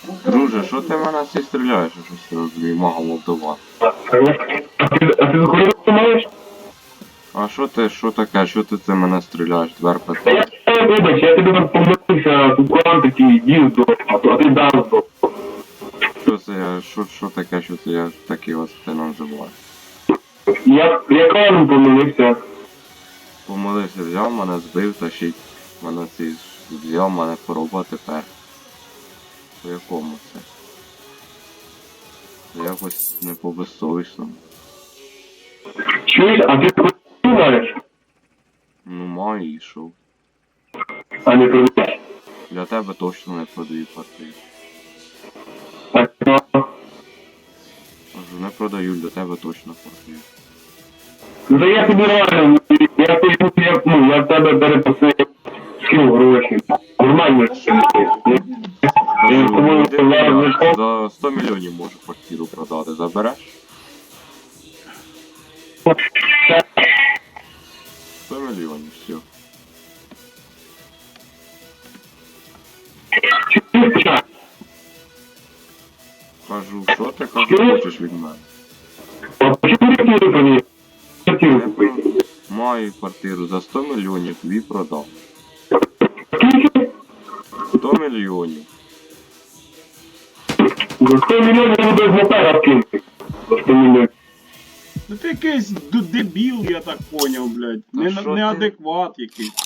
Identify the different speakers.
Speaker 1: Друже, що ти в мене всі стріляєш? Щось я розумію, мага Молдова.
Speaker 2: А ти захворів маєш?
Speaker 1: А що таке? Що ти це мене стріляєш? Двер питає.
Speaker 2: Вибач, я тобі там помилився, тут клан такий, дів здох, а ти дав здох.
Speaker 1: Що це я, що таке, що це я такий ось ти називаєш?
Speaker 2: Я кланом помилився.
Speaker 1: Помилився, взяв мене, збив, тащить. Мене цей взяв мене хвороба тепер. По якому це? Це якось не по безсовісному.
Speaker 2: Чуєш, а ти захворів маєш?
Speaker 1: Ну маю і що?
Speaker 2: А не продаєш?
Speaker 1: Для тебе точно не продаю квартиру. Кажу, не продаю, для тебе точно квартиру.
Speaker 2: Ну то я тобі реально, я в тебе перепросив скину гроші. Нормально все.
Speaker 1: Кажу, за 100 мільйонів можу квартиру продати, забереш? 100 мільйонів, все. Кажу, що ти хочеш від мене?
Speaker 2: А почему квартиру продаєш? Квартиру купити.
Speaker 1: Маю квартиру за 100 мільйонів, тобі продав.
Speaker 2: Скільки?
Speaker 1: 100 мільйонів.
Speaker 2: За 100 мільйонів я буду з мотора кинути. За 100 мільйонів.
Speaker 3: Ну ти якийсь дебіл, я так поняв, блядь.
Speaker 1: Та що ти?
Speaker 3: Неадекват якийсь.